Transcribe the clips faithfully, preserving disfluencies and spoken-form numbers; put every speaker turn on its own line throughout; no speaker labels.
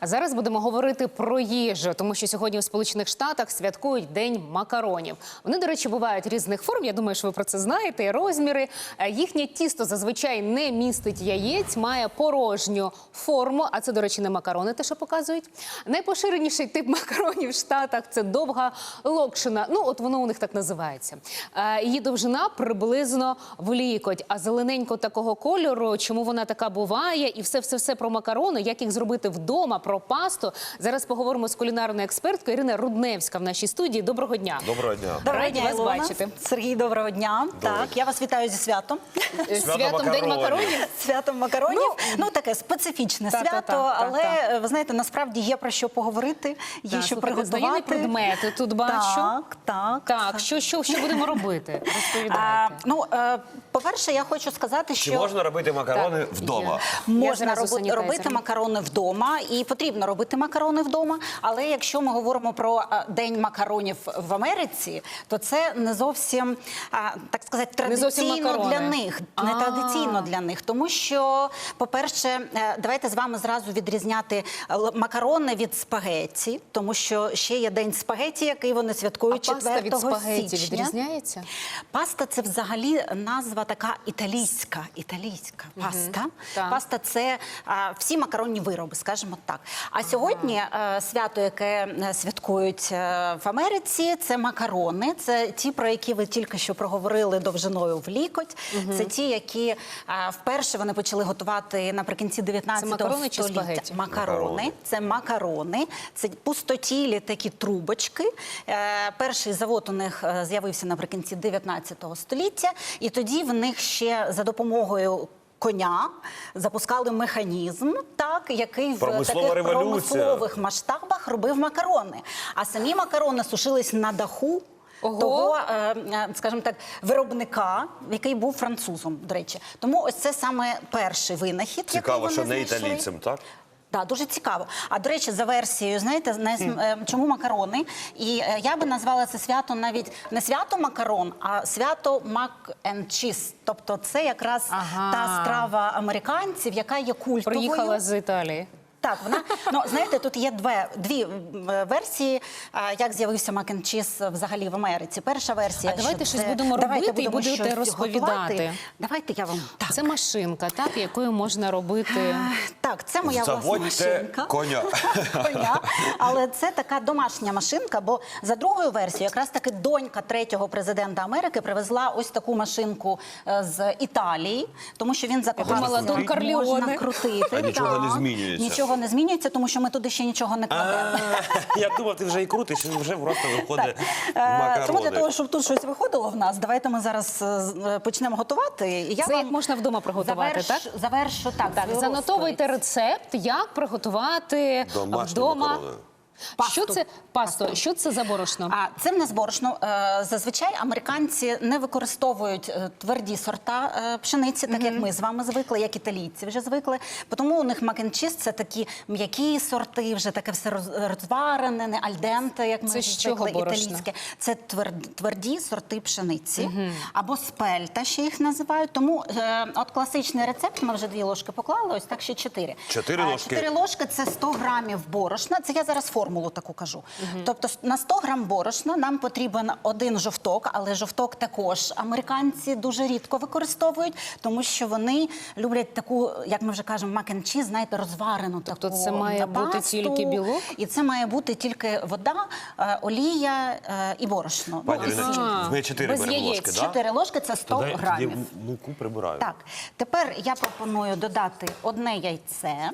А зараз будемо говорити про їжу, тому що сьогодні у Сполучених Штатах святкують День макаронів. Вони, до речі, бувають різних форм, я думаю, що ви про це знаєте, і розміри. Їхнє тісто зазвичай не містить яєць, має порожню форму, а це, до речі, не макарони, те, що показують. Найпоширеніший тип макаронів в Штатах – це довга локшина. Ну, от воно у них так називається. Її довжина приблизно в лікоть, а зелененько такого кольору, чому вона така буває, і все-все-все про макарони, як їх зробити вдома, про пасту. Зараз поговоримо з кулінарною експерткою Ірина Рудневська в нашій студії. Доброго дня.
Доброго дня.
Доброго
Раді
дня,
вас
Ілона.
бачити.
Сергій, доброго дня.
Доброго.
Так, я вас вітаю зі святом.
Святом День макаронів.
Святом макаронів. Ну, ну таке специфічне
та,
свято,
та, та,
але,
та.
ви знаєте, насправді є про що поговорити, є
Так,
що
слухайте, знайомі
приготувати.
предмети тут бачу.
Так, так.
Так, що, що, що будемо робити?
А,
Розповідайте.
ну, е, по-перше, я хочу сказати,
Чи
що...
можна робити макарони
Так,
вдома?
Я
Можна
зразу
роби,
санітайзером.
робити макарони вдома, і потрібно робити макарони вдома. Але якщо ми говоримо про а, День макаронів в Америці, то це не зовсім, а, так сказати,
Не зовсім
традиційно
макарони.
для них. Не
А.
традиційно для них. Тому що, по-перше, е, давайте з вами зразу відрізняти л- макарони від спагетті, тому що ще є День спагетті, який вони
А
святкують
паста від
четвертого
спагетті
січня.
відрізняється?
Паста – це взагалі назва така італійська, італійська паста.
так.
Паста – це а, всі макаронні вироби, скажімо так. А сьогодні а, свято, яке е, святкують е, в Америці, це макарони. Це ті, про які ви тільки що проговорили довжиною в лікоть. Це ті, які а, вперше вони почали готувати наприкінці дев'ятнадцятого
макарони чи
століття.
спагетті?
Макарони.
Макарони.
Це макарони, це пустотілі такі трубочки. Е, перший завод у них е, з'явився наприкінці дев'ятнадцятого століття, і тоді в них ще за допомогою коня запускали механізм, так, який в
Промислова
таких
революція.
промислових масштабах робив макарони. А самі макарони сушились на даху
Ого.
того, е, е, скажімо так, виробника, який був французом, до речі. Тому ось це саме перший винахід,
Цікаво,
який
що
вони
не
знайшли.
італійцям, так?
Так, дуже цікаво. А, до речі, за версією, знаєте, не, е, чому макарони? І е, я би назвала це свято навіть не свято макарон, а свято мак and cheese. Тобто це якраз
Ага.
та страва американців, яка є культовою.
Приїхала з Італії.
Так, вона, ну, знаєте, тут є дві, дві м, версії, а, як з'явився мак and чіз взагалі в Америці. Перша версія,
А давайте
що
щось
це-
будемо
давайте
робити і
будемо
будете
щось
розповідати.
готувати. Давайте я вам... Так,
Це машинка, так, якою можна робити...
так це моя власна
Заводьте
машинка.
коня.
Коня. Але це така домашня машинка, бо за другою версією якраз таки донька третього президента Америки привезла ось таку машинку е, з Італії, тому що він закохався.
думала, Дон
Можна
Карлеоне.
крутити.
А нічого не
так.
змінюється.
Нічого не змінюється, тому що ми туди ще нічого не кладемо.
Я думав, ти вже і крутиш, і вже просто виходить
Е, Тому для того,
макарони.
щоб тут щось виходило в нас, давайте ми зараз е, з- е, почнемо готувати. І я
Це
вам
як можна вдома приготувати,
заверш-
так?
Завершу, так.
Так,
свою
занотовуйте
розповідь.
рецепт, як приготувати
Домашні
вдома.
макарони.
Що
Пасту.
це пасто? Що це за борошно?
А це в нас борошно. Е, Зазвичай американці не використовують е, тверді сорта е, пшениці, так як ми з вами звикли, як італійці вже звикли. Тому у них мак and чіз – це такі м'які сорти, вже таке все роз- розварене, не альденте, як ми
Це
вже
з чого
звикли,
борошно?
італійське. Це твер- тверді сорти пшениці, або спельта ще їх називають. Тому е, от класичний рецепт, ми вже дві ложки поклали, ось так ще чотири.
Чотири
А,
ложки?
Чотири ложки – це сто грамів борошна. Це я зараз формулу таку кажу. Тобто на сто грам борошна нам потрібен один жовток, але жовток також американці дуже рідко використовують, тому що вони люблять таку, як ми вже кажемо, мак and чіз, знаєте, розварену
Тобто
таку
це має бути
пасту.
тільки білок?
І це має бути тільки вода, е, олія е, і борошно.
Пані
Ну, і
Ірина,
сіль.
ми чотири
без
беремо
яєць.
ложки, так?
Чотири ложки – це сто
Тоді
грамів.
муку прибираю.
Так, тепер я пропоную додати одне яйце.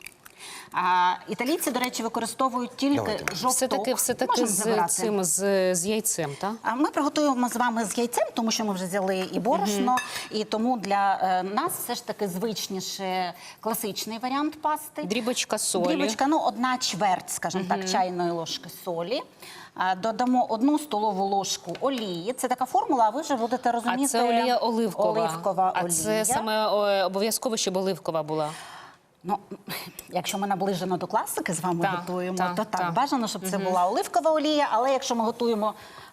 А, італійці, до речі, використовують тільки
Давайте.
жовток.
Все-таки все-таки
Можемо
з
забирати.
цим, з, з яйцем, так?
А ми приготуємо з вами з яйцем, тому що ми вже взяли і борошно, і тому для е, нас все ж таки звичніше класичний варіант пасти.
Дрібочка солі.
Дрібочка, ну, одна чверть, скажімо так, чайної ложки солі. А, додамо одну столову ложку олії. Це така формула, а ви вже будете розуміти.
А це олія оливкова.
Оливкова
а
олія.
це саме о, обов'язково, щоб оливкова була.
Ну, якщо ми наближено до класики з вами
Так,
готуємо,
так,
то так,
так.
бажано, щоб це була оливкова олія, але якщо ми готуємо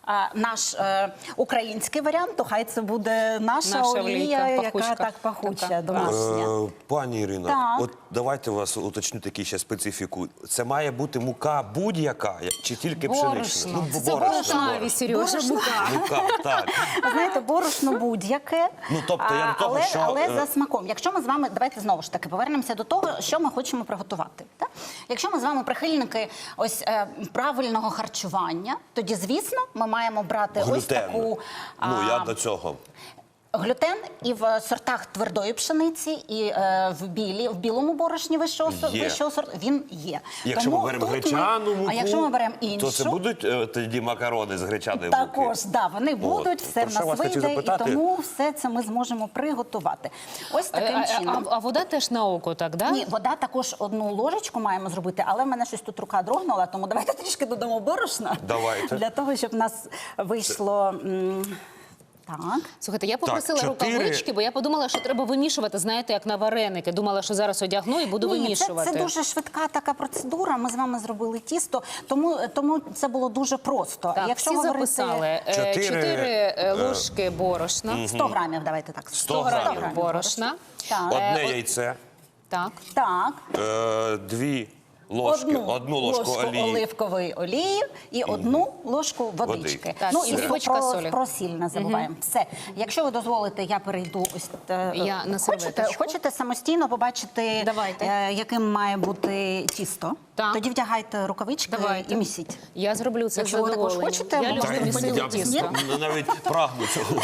а, наш е, український варіант, то хай це буде наша,
Наша
олія,
олійка,
яка
пахучка.
так пахуча,
Така.
домашня.
Е, Пані Ірино,
Так.
от давайте вас уточню такі ще специфіку. Це має бути мука будь-яка я- чи тільки пшенична?
Борошно.
бо
Це
борошно,
борошнаві, Сережа,
Борошно.
мука.
Мука, так.
Ви знаєте, борошно будь-яке,
Ну, тобто я
а,
до того,
але,
що,
але
е,
за смаком. Якщо ми з вами, давайте знову ж таки повернемося до того, що ми хочемо приготувати. Так? Якщо ми з вами прихильники ось е, правильного харчування, тоді, звісно, ми маємо брати ось
Глютен.
таку
Ну,
а,
я до цього.
глютен і в сортах твердої пшениці, і е, в білі, в білому борошні вищого, сор-
Є.
вищого сорту, він є.
Якщо
Тому
ми беремо
тут ми-
гречану муку,
а якщо ми беремо іншу,
то це будуть е, тоді макарони з гречаної муки?
також, да, вони будуть, все
про
в
що
нас
вас хотів
вийде, і
запитати?
тому все це ми зможемо приготувати. Ось
А,
таким
а, а,
чином.
а вода теж на око, так, да?
Ні, вода також одну ложечку маємо зробити, але в мене щось тут рука дрогнула, тому давайте трішки додамо борошна.
Давайте.
Для того, щоб в нас вийшло... м, Так.
Слухайте, я попросила
Так, чотири.
рукавички, бо я подумала, що треба вимішувати, знаєте, як на вареники. Думала, що зараз одягну і буду
Ні, це,
вимішувати.
це дуже швидка така процедура. Ми з вами зробили тісто, тому, тому це було дуже просто.
Так,
Якщо
всі
говорити
записали. Е,
Чотири,
Чотири
е,
е, ложки борошна.
сто грамів, давайте так.
сто грамів
борошна.
Так.
Одне
Е,
яйце,
Так.
Так.
е, дві ложки, одну, ложку, олії.
оливкової олії і одну ложку водички.
Водички.
Так,
ну
і
і
дрібочка
про,
солі.
про сіль не забуваємо. Все. Якщо ви дозволите, я перейду ось е,
Я на
хочете,
серветочку.
хочете самостійно побачити,
Давайте.
е, яким має бути тісто?
Так.
Тоді вдягайте рукавички
Давайте.
і місіть.
Я зроблю це з
Якщо ви також
задоволенням.
хочете,
я
ви
люблю
можете
місити
поділитися.
тісто.
Ні?
навіть прагну цього.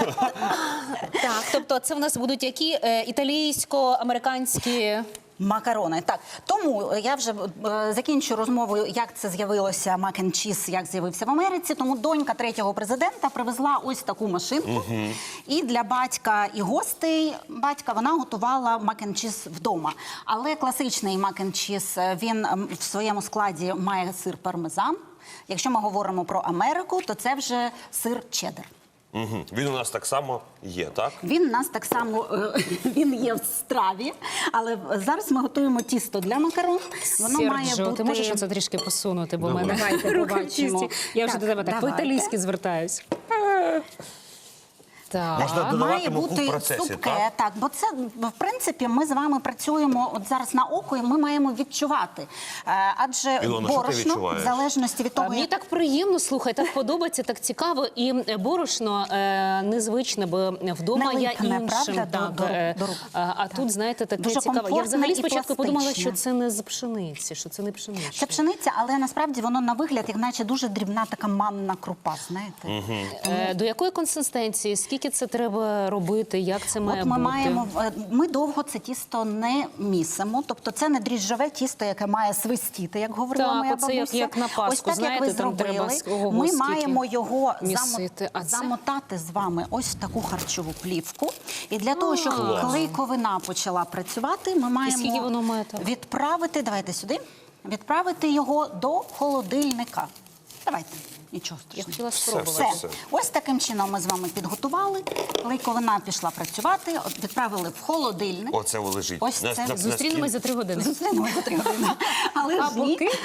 Так, тобто це в нас будуть які е, італійсько-американські...
Макарони. Так, тому я вже е, закінчу розмову, як це з'явилося мак н чіз, як з'явився в Америці. Тому донька третього президента привезла ось таку машинку. І для батька і гостей батька вона готувала мак н чіз вдома. Але класичний мак н чіз, він м, в своєму складі має сир пармезан. Якщо ми говоримо про Америку, то це вже сир чеддер.
Мгм. Він у нас так само є, так?
Він у нас так само е, він є в страві, але зараз ми готуємо тісто для макарон. Воно має
Серджо,
бути...
ти можеш оце трішки посунути, бо в
Давай.
мене
Давайте
руки
побачимо.
чисті. Я вже
Так,
до тебе так
давайте.
по-італійськи звертаюсь. Так.
Можна додавати
Має
муку в
бути
процесі,
цупке,
так?
так, бо це, в принципі, ми з вами працюємо от зараз на око, і ми маємо відчувати. Е, Адже
Ілона, що ти
борошно,
відчуваєш?
в залежності від
А
того,
Мені
як...
так приємно, слухай, так подобається, так цікаво. І е, борошно е, незвичне, бо вдома
Не
я
липне,
іншим.
правда, до-
так,
до рук-
е,
до рук.
а, а
Так.
тут, знаєте, таке
Дуже
цікаве. Я
комфортне
взагалі
і
спочатку подумала,
пластичне.
що це не з пшениці, що це не пшеничне.
Це пшениця, але насправді воно на вигляд, як наче дуже дрібна така манна крупа, знаєте?
Е, До якої консистенції? Скільки це треба робити? Як це має
От ми
бути?
маємо е, ми довго це тісто не місимо, тобто це не дріжджове тісто, яке має свистіти, як говорила
Так,
моя
оце як-
бабуся.
як на Пасху,
Ось так,
знаєте,
як ви
там треба
зробили.
з- ого,
Ми
скільки
маємо його
місити. А
замо-
це?
замотати з вами ось в таку харчову плівку. І для того, щоб клейковина почала працювати, ми маємо
скільки воно має там?
відправити, давайте сюди, відправити його до холодильника. Давайте. Нічого
Я
страшного.
хотіла
Все,
спробувати.
Все.
все.
Ось таким чином ми з вами підготували. Клейковина пішла працювати, от відправили в холодильник.
Оце лежить.
Ось
На-
це.
на- на
Зустрінемось
стіл.
за три години.
Зустрінемося за три години. Але
А
ж ні.
поки?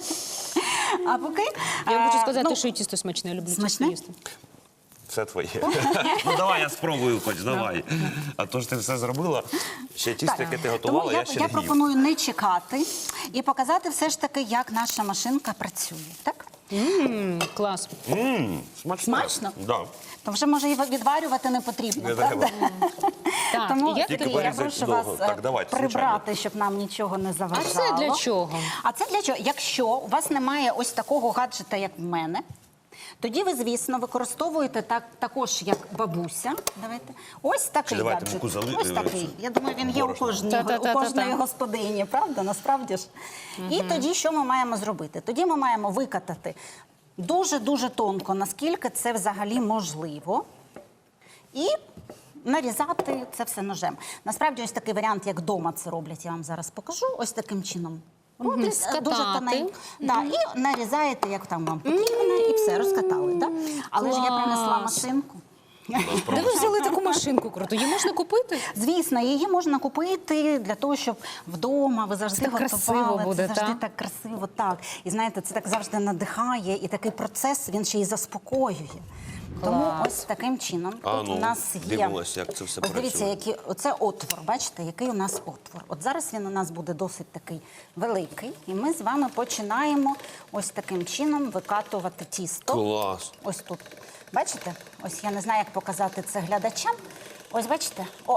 А поки?
Я вам хочу
е,
сказати,
ну,
що і тісто смачне, я люблю тісто
Смачне?
їсти.
Все твоє. Ну давай я спробую хоч, давай. А то ж ти все зробила. Ще тісто, яке ти готувала,
Тому
я,
я,
ще
я
не їв.
пропоную не чекати і показати все ж таки, як наша машинка працює. Так?
М, Клас.
Мм, смачно.
Смачно?
Да.
То вже може і відварювати не потрібно,
Не
правда?
треба.
Так,
Тому
і як
Тільки
Сергій, я
порізати
прошу
довго.
вас
Так,
е,
давайте,
прибрати, щоб нам нічого не заважало.
це для чого?
А це для чого? Якщо у вас немає ось такого гаджета, як в мене, тоді ви, звісно, використовуєте так, також, як бабуся. Давайте. Ось такий
Чи давайте
гаджет.
муку зали-
Ось такий. Я думаю, він є у
борошно.
кожній,
Та-та-та-та-та.
у кожної господині, правда? Насправді ж. І тоді що ми маємо зробити? Тоді ми маємо викатати дуже-дуже тонко, наскільки це взагалі можливо. І нарізати це все ножем. Насправді, ось такий варіант, як вдома це роблять, я вам зараз покажу. Ось таким чином. Роблять е,
скатати.
дуже тоненько. Да, і нарізаєте, як там вам потрібно, і все, розкатали. Да? Але ж я принесла
Клас.
машинку.
Де ви взяли таку машинку круту? Її можна купити?
Звісно, її можна купити для того, щоб вдома ви завжди
Це так
готували.
красиво буде,
це завжди
та?
так красиво, так. І знаєте, це так завжди надихає, і такий процес, він ще й заспокоює. Тому
Клас.
ось таким чином
А,
тут
ну,
у нас є.
дивимося, як це все
Ось дивіться,
працює.
які, оце отвор, бачите, який у нас отвор. От зараз він у нас буде досить такий великий, і ми з вами починаємо ось таким чином викатувати тісто.
Клас.
Ось тут. Бачите? Ось я не знаю, як показати це глядачам. Ось бачите? О,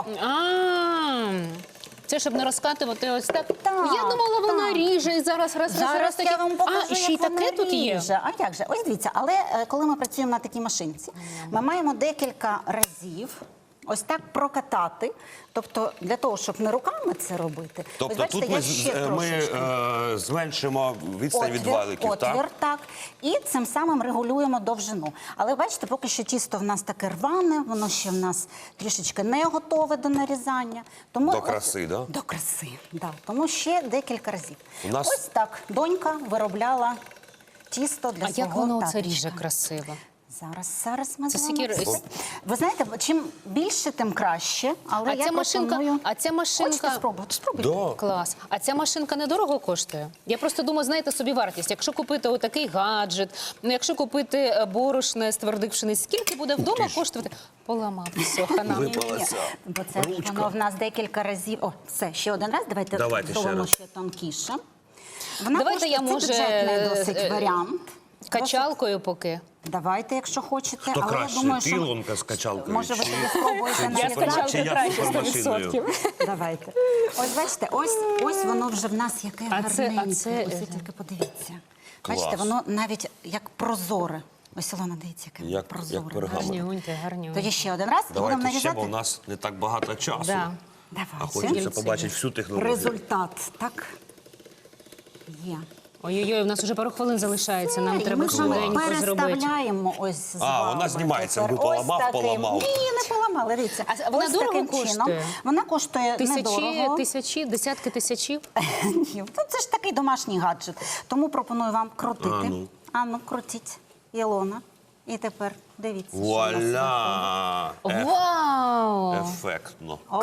А, це щоб не розкатувати ось так.
Так,
Я думала, вона
так.
ріже і зараз раз, раз,
зараз
раз такі.
я вам покажу,
А, і ще й
як вона
таке тут є.
ріже. А як же? Ось дивіться, але е, коли ми працюємо на такій машинці, ми маємо декілька разів ось так прокатати. Тобто для того, щоб не руками це робити.
Тобто
ось, бачите,
тут
я
ми,
ще
з- ми
трошечки.
е, зменшимо відстань від валиків,
отвір,
так?
так. І цим самим регулюємо довжину. Але бачите, поки що тісто в нас таке рване, воно ще в нас трішечки не готове до нарізання. Тому
До
от-
краси, да?
До краси, да. Тому ще декілька разів.
У нас-
Ось так донька виробляла тісто для
А
свого
як воно це
таточка.
ріже красиво?
Зараз, зараз ми
Це
з вами
скільки-
все- Ви знаєте, чим більше, тим краще. Але
А
я
ця машинка,
пропоную...
а ця машинка...
Хочете спробувати? Спробуйте.
Да.
Клас. А ця машинка недорого коштує? Я просто думаю, знаєте собі вартість. Якщо купити отакий гаджет, ну якщо купити е, борошне з твердих пшениць, скільки буде вдома коштувати? Поламав, все, хана.
Ви-
Ні, ні, ні.
Випалася
Бо це ж
ручка.
воно в нас декілька разів. О, все, ще один раз. Давайте
Давайте ще
зробимо
раз.
ще тонкіше. Вона
Давайте
коштує,
я,
це
може,
бюджетний досить
е,
варіант.
Качалкою поки.
Давайте, якщо хочете.
Хто
але
краще,
я думаю, що
пілонка з качалкою?
може ви
чи-
тоді спробуєте
чи-
на
чи-
вівтар?
чи я
краще,
супермашиною?
сто відсотків.
Давайте. Ось бачите, ось, ось воно вже в нас яке
А це- а
гарненьке.
це-
Ось ви тільки подивіться.
Клас.
Бачите, воно навіть як прозоре. Ось Ілона, дивіться, яке
Як-
прозоре.
як пергамент.
Гарнюньте, гарнюньте.
Тоді ще один раз. Будемо
Давайте ще,
нарізати.
бо у нас не так багато часу.
Да.
Давайте.
А хочеться побачити всю технологію.
Результат, так? Є.
Ой-ой-ой, у нас вже пару хвилин залишається, нам
І
треба
ми з вами
швиденько зробити.
переставляємо ось з
А,
вами.
вона знімається,
Тепер
ви поламав,
ось таким.
поламав.
Ні, не поламали, дивіться.
А вона
ось
дорого
таким
коштує?
чином. Вона коштує
Тисячі,
недорого.
тисячі, десятки тисячів.
Ні, ну це ж такий домашній гаджет. Тому пропоную вам крутити.
А, ну.
А ну, крутіть, Ілона. І тепер дивіться, що у нас виходить.
Вуаля! Еф-
Вау!
Ефектно.
Опа.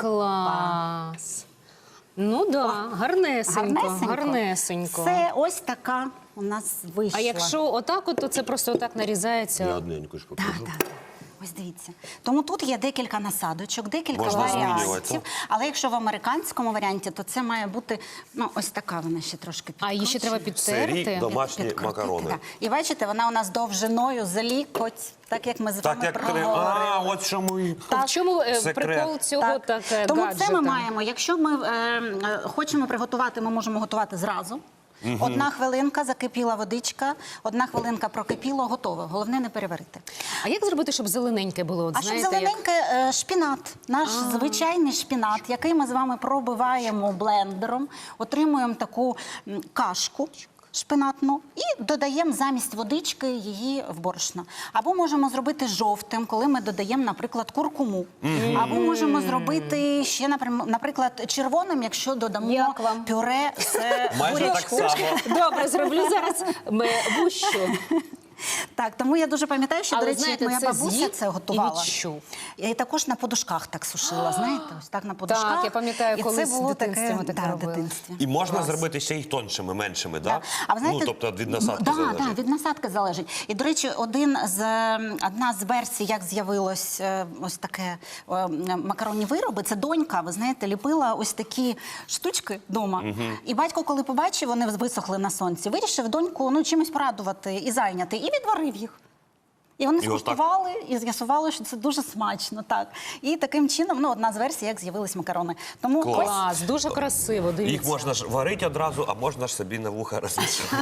Клас! Ну да, гарнесенько, гарнесенько.
Це ось така у нас вийшла.
А якщо отак, от, то це просто отак
Я
нарізається.
одненьку ж
Так,
покажу.
так, так. Ось дивіться. Тому тут є декілька насадочок, декілька
Можна змінювати,
варіантів.
так?
Але якщо в американському варіанті, то це має бути, ну, ось така вона ще трошки
А її ще треба
підкручена.
Це рік
підтерти.
домашні
Підкрутити,
макарони.
так. І бачите, вона у нас довжиною за лікоть, так як ми з
Так
вами
як
проговорили.
а, от чому і
В чому е,
Секрет.
прикол цього
Так.
так, е,
Тому
гаджета?
це ми маємо. Якщо ми е, е, хочемо приготувати, ми можемо готувати зразу. Одна хвилинка, закипіла водичка, одна хвилинка прокипіло, готово. Головне не переварити.
А як зробити, щоб зелененьке було? От,
А щоб
знаєте, як...
зелененьке е, шпінат, наш звичайний шпінат, який ми з вами пробиваємо блендером, отримуємо таку м, кашку шпинатну і додаємо замість водички її в борошно. Або можемо зробити жовтим, коли ми додаємо, наприклад, куркуму. Або можемо зробити ще, напрям- наприклад, червоним, якщо додамо
Як вам?
пюре з
майже так
бурячку.
само.
Добре, зроблю зараз м, вущу.
Так, тому я дуже пам'ятаю, що,
Але,
до речі,
знаєте,
як моя
це
бабуся
з'їв
це
і
готувала.
відчув.
Я і також на подушках так сушила, знаєте, ось так на подушках.
я пам'ятаю,
і
колись
це
в
було
дитинстві
таке,
ми так
да, в
робили.
дитинстві.
І можна
Клас.
зробити ще й тоншими, меншими,
Да.
так?
А ви знаєте,
ну, тобто від насадки
да,
залежить.
Да, від насадки залежить. І, до речі, один з, ем, одна з версій, як з'явилось е, ось таке е, макаронні вироби, це донька, ви знаєте, ліпила ось такі штучки вдома. І батько, коли побачив, вони висохли на сонці, вирішив доньку ну, чимось порадувати і зайняти, і відварив їх. І вони
І отак?
скуштували і з'ясували, що це дуже смачно. Так. І таким чином, ну, одна з версій, як з'явились макарони. Тому
Клас.
ось
Клас, дуже красиво, дивіться.
Їх можна ж варити одразу, а можна ж собі на вуха розвішати.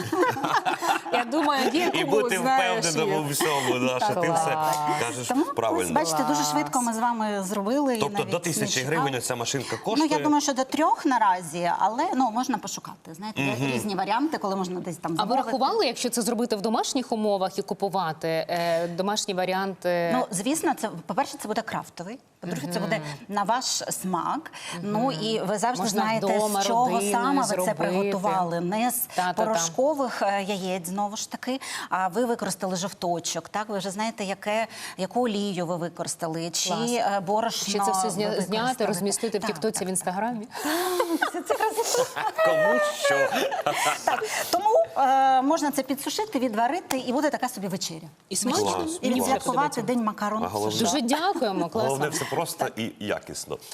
Я думаю, є
І
кому,
бути
знаєш,
впевненим у
є.
всьому, да, що ти все кажеш
Тому, ось,
правильно.
бачите, дуже швидко ми з вами зробили. і
Тобто
навіть
до
не
тисячі
чекали.
гривень ця машинка
Ну,
коштує?
я думаю, що до трьох наразі, але ну, можна пошукати. Знаєте, є різні варіанти, коли можна десь там
А ви
замовити.
рахували, якщо це зробити в домашніх умовах і купувати, е, е, домашній варіант. е,
Ну, звісно, це, по-перше, це буде крафтовий. По-друге, це буде на ваш смак. Ну і ви завжди
Можна
знаєте,
вдома
з чого
родиною
саме ви це
зробити.
приготували. Не з
Та-та-та.
порошкових е, яєць, знову ж таки, а ви використали жовточок. Так, ви вже знаєте, яке, яку олію ви використали, чи
Клас.
е, борошно
Ще це все
ви
зня- зняти,
використали.
розмістити в
Так,
Тіктоці,
так.
в Інстаграмі.
Кому що?
Так, тому е, можна це підсушити, відварити, і буде така собі вечеря.
І смачно.
Клас.
І
Мені
відсвяткувати
подобається.
День макарон.
А головне-
Дуже дякуємо, класно.
Головне, все просто і якісно.